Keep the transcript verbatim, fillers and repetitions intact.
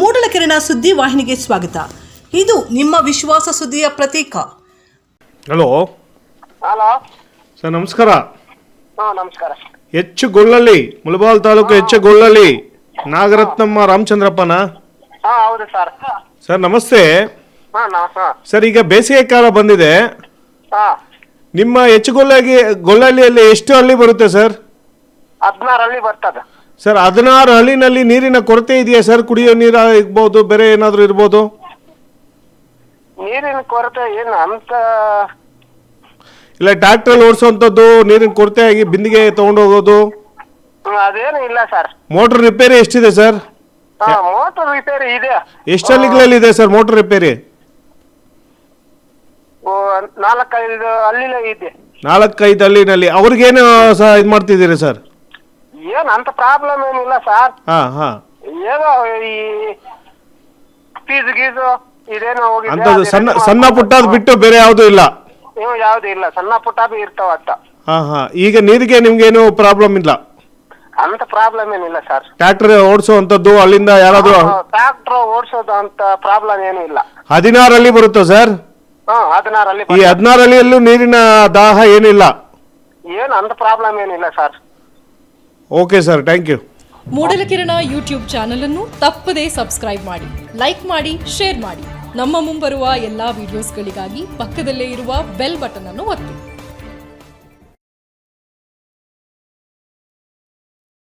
ಮೂಡಲಕೆರೆನ ಸುದ್ದಿ ವಾಹಿನಿಗೆ ಸ್ವಾಗತ. ಇದು ನಿಮ್ಮ ವಿಶ್ವಾಸ ಸುದ್ದಿಯ ಪ್ರತೀಕ. ಹಲೋ ಹಲೋ ಸರ್, ನಮಸ್ಕಾರ. ಹಾಂ ನಮಸ್ಕಾರ. ಎಚ್ ಗೊಳ್ಳಳ್ಳಿ, ಮುಳಬಾಲ್ ತಾಲೂಕು ಎಚ್ ಗೊಳ್ಳಳ್ಳಿ ನಾಗರತ್ನಮ್ಮ ರಾಮಚಂದ್ರಪ್ಪನ? ಹಾಂ ಹೌದು ಸರ್. ಸರ್ ನಮಸ್ತೆ. ಹಾಂ ನಮಸ್ತೆ ಸರ್, ಈಗ ಬೇಸಿಗೆ ಕಾಲ ಬಂದಿದೆ. ಹಾಂ ನಿಮ್ಮ ಎಚ್ ಗೊಳ್ಳಗಿ ಗೊಳ್ಳಳ್ಳಿಯಲ್ಲಿ ಎಷ್ಟು ಹಳ್ಳಿ ಬರುತ್ತೆ ಸರ್? ಹದಿನಾರು ಹಳ್ಳಿ ಬರ್ತದೆ ಸರ್. ಹದಿನಾರು ಹಳ್ಳಿನಲ್ಲಿ ನೀರಿನ ಕೊರತೆ ಇದೆಯಾ ಸರ್? ಕುಡಿಯೋ ನೀರು ಇರ್ಬೋದು, ಬೇರೆ ಏನಾದರೂ ಇರ್ಬೋದು? ನೀರಿನ ಕೊರತೆ ಏನು ಅಂತ ಇಲ್ಲ ಟ್ರ್ಯಾಕ್ಟ್ರಲ್ಲಿ ಓಡಿಸೋವಂಥದ್ದು, ನೀರಿನ ಕೊರತೆ ಆಗಿ ಬಿಂದಿಗೆ ತೊಗೊಂಡೋಗೋದು, ಹ್ಮ್, ಅದೇನು ಇಲ್ಲ ಸರ್. ಮೋಟ್ರ್ ರಿಪೇರಿ ಎಷ್ಟಿದೆ ಸರ್? ಹಾಂ ಮೋಟರ್ ರಿಪೇರಿ ಇದೆ. ಎಷ್ಟು ಹಳ್ಳಿಗಳಲ್ಲಿದೆ ಸರ್ ಮೋಟ್ರ್ ರಿಪೇರಿ? ಓ, ನಾಲ್ಕೈದು ಹಳ್ಳಿಲೇ ಇದೆ. ನಾಲ್ಕೈದು ಹಳ್ಳಿನಲ್ಲಿ ಅವ್ರಿಗೇನು ಸಹ ಇದು ಮಾಡ್ತಿದ್ದೀರಿ ಸರ್? ಏನು ಅಂತ ಪ್ರಾಬ್ಲಮ್ ಏನಿಲ್ಲ ಸರ್. ಹಾಂ ಹಾಂ ಏನೋ ಈ ಫೀಸ್ ಗೀಸು ಇದೇನೋ ಹೋಗಿದೆ. ಅಂಥದ್ದು ಅದು ಸಣ್ಣ ರೆಡಿ ಸಣ್ಣ ಮಾಡ್ಕೊಂಡು- ಪುಟ್ಟದ್ದು ಬಿಟ್ಟು ಬೇರೆ ಯಾವುದೂ ಇಲ್ಲ? ಏನು ಯಾವ್ದು ಇಲ್ಲ, ಸಣ್ಣ ಪುಟ್ಟದು ಇರ್ತಾವ ಅಂತ. ಹಾಂ ಹಾಂ ಈಗ ನೀರಿಗೆ ನಿಮ್ಗೇನು ಪ್ರಾಬ್ಲಮ್ ಇಲ್ಲ? ಅಂತ ಪ್ರಾಬ್ಲಮ್ ಏನಿಲ್ಲ ಸರ್. ಟ್ರ್ಯಾಕ್ಟರ್ ಓಡಿಸುವಂಥದ್ದು ಅಲ್ಲಿಂದ ಯಾರಾದರೂ? ಟ್ರಾಕ್ಟರ್ ಓಡಿಸೋದು ಅಂತ ಪ್ರಾಬ್ಲಮ್ ಏನು ಇಲ್ಲ. ಹದಿನಾರು ಹಳ್ಳಿ ಬರುತ್ತಾ ಸರ್? ಹಾಂ ಹದಿನಾರು ಹಳ್ಳಿ ಈ ಹದಿನಾರು ಹಳ್ಳಿಯಲ್ಲೂ ನೀರಿನ ದಾಹ ಏನಿಲ್ಲ? ಏನು ಅಂತ ಪ್ರಾಬ್ಲಮ್ ಏನಿಲ್ಲ sir. Okay sir, thank you. ಮೂಡಲಕೆರೆನ ಯೂಟ್ಯೂಬ್ ಚಾನಲ್ ಅನ್ನು ತಪ್ಪದೇ ಸಬ್ಸ್ಕ್ರೈಬ್ ಮಾಡಿ, ಲೈಕ್ ಮಾಡಿ, ಶೇರ್ ಮಾಡಿ. ನಮ್ಮ ಮುಂಬರುವ ಎಲ್ಲಾ ವಿಡಿಯೋಸ್ಗಳಿಗಾಗಿ ಪಕ್ಕದಲ್ಲೇ ಇರುವ ಬೆಲ್ ಬಟನ್ ಅನ್ನು ಒತ್ತಿ.